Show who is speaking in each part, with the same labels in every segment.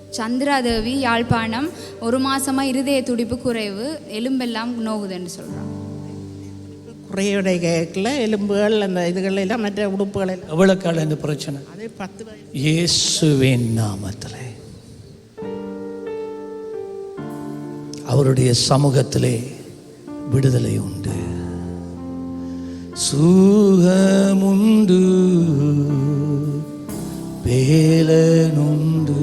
Speaker 1: சந்திராதேவி யாழ்ப்பாணம். 1 மாசமா இருதய துடிப்பு குறைவு, எலும்பெல்லாம் நோகுதுன்னு சொல்கிறான்.
Speaker 2: குறையுடைய கேட்கல, எலும்புகள் அந்த இதுகள் எல்லாம் மற்ற உடுப்புகள் எல்லாம்.
Speaker 3: எவ்வளோ காலம் இந்த பிரச்சனை?
Speaker 2: அதே 10 வயசு.
Speaker 3: இயேசுவின் நாமத்திலே அவருடைய சமூகத்திலே விடுதலை உண்டு, சுகமுண்டு, வேலனுண்டு,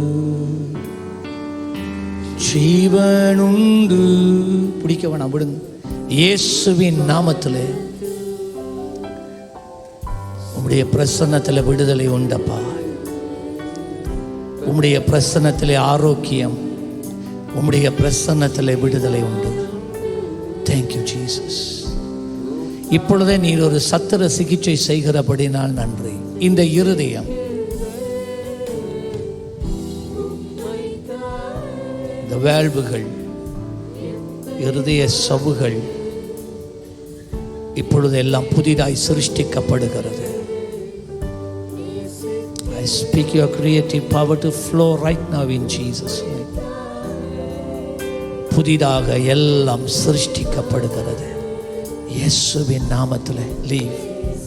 Speaker 3: ஜீவனுண்டு. பிடிக்க வேணாம், விடுங்க. இயேசுவின் நாமத்திலே உம்முடைய பிரசன்னத்தில் விடுதலை உண்டப்பா. உம்முடைய பிரசன்னத்திலே ஆரோக்கியம், உம்முடைய பிரசன்னத்திலே விடுதலை உண்டு. Thank you Jesus. இப்பொழுதே நீர் ஒரு சத்திர சிகிச்சை செய்கிறபடினால் நன்றி. இந்த இருதயம், இந்த வேள்வுகள், இருதய சவுகள் இப்பொழுது எல்லாம் புதிதாய் சிருஷ்டிக்கப்படுகிறது. I speak your creative power to flow right now in Jesus name. புதிதாக எல்லாம் சிருஷ்டிக்கப்படுகிறது இயேசுவின் நாமத்தில். லீவ்.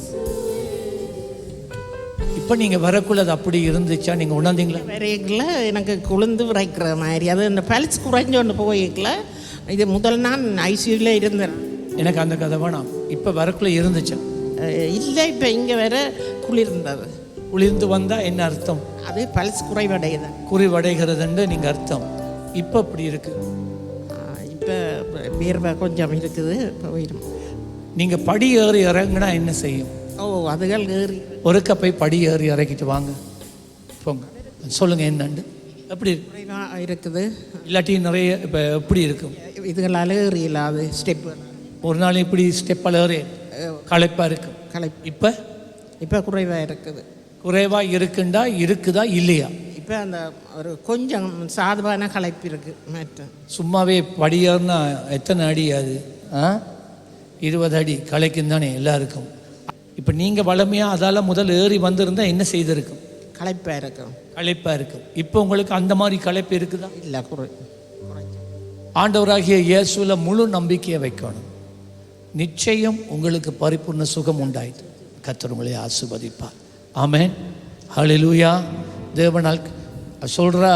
Speaker 3: இப்போ நீங்கள் வரக்குள்ளது அப்படி இருந்துச்சா? நீங்கள் உணர்ந்தீங்களா?
Speaker 2: வரையில எனக்கு குளிர்ந்து விரைக்கிற மாதிரி, அது இந்த பல்ஸ் குறைஞ்சோன்னு போய்க்கல. இது முதல் நான் ஐசியூவில் இருந்தேன்.
Speaker 3: எனக்கு அந்த கதை வேணாம். இப்போ வரக்குள்ளே இருந்துச்சா?
Speaker 2: இல்லை, இப்போ இங்கே வேற குளிர்ந்தது.
Speaker 3: குளிர்ந்து வந்தால் என்ன அர்த்தம்?
Speaker 2: அது பல்ஸ் குறைவடையுது,
Speaker 3: குறைவடைகிறதுன்னு நீங்கள் அர்த்தம். இப்போ அப்படி இருக்கு.
Speaker 2: இப்போ வேர்வை கொஞ்சம் இருக்குது. போயிடும்.
Speaker 3: நீங்கள் படி ஏறி இறங்குனா என்ன செய்யும்?
Speaker 2: அதுகள் ஏறி
Speaker 3: ஒருக்க போய் படி ஏறி இறக்கிட்டு வாங்க, போங்க, சொல்லுங்கள் என்னண்டு. எப்படி
Speaker 2: இருக்குது?
Speaker 3: இல்லாட்டி நிறைய இப்போ எப்படி இருக்கும்?
Speaker 2: இதுகளால் ஏறி இல்லாது ஸ்டெப்பு.
Speaker 3: ஒரு நாள் இப்படி ஸ்டெப்பால் ஏறி களைப்பாக இருக்கும். இப்போ
Speaker 2: இப்போ குறைவாக இருக்குது.
Speaker 3: குறைவாக இருக்குதா இல்லையா?
Speaker 2: இப்போ அந்த ஒரு கொஞ்சம் சாதுவான களைப்பு இருக்குது. மற்ற
Speaker 3: சும்மாவே படியேறினா எத்தனை அடி? அது 20 அடி களைக்கும் தானே எல்லாருக்கும். இப்போ நீங்கள் வளமையாக அதால் முதல் ஏறி வந்திருந்தால் என்ன செய்திருக்கும்?
Speaker 2: களைப்பாக இருக்கும்.
Speaker 3: களைப்பாக இருக்கும். இப்போ உங்களுக்கு அந்த மாதிரி களைப்பு இருக்குதா?
Speaker 2: இல்லை,
Speaker 3: ஆண்டவராகிய இயேசுவில் முழு நம்பிக்கையை வைக்கணும். நிச்சயம் உங்களுக்கு பரிபூர்ண சுகம் உண்டாயிட்டு கர்த்தர் உங்களை ஆசீர்வதிப்பார். ஆமென். ஹல்லேலூயா. தேவனால் சொல்கிறா,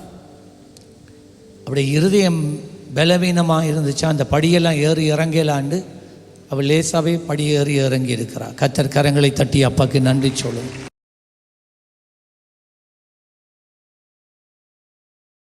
Speaker 3: அப்படி இருதயம் பலவீனமாக இருந்துச்சா அந்த படியெல்லாம் ஏறி இறங்கலாண்டு அவள் லேசாவே படி ஏறி இறங்கி இருக்கிறாள். கர்த்தர் கரங்களை தட்டி அப்பாவுக்கு நன்றி சொல்லுங்கள்.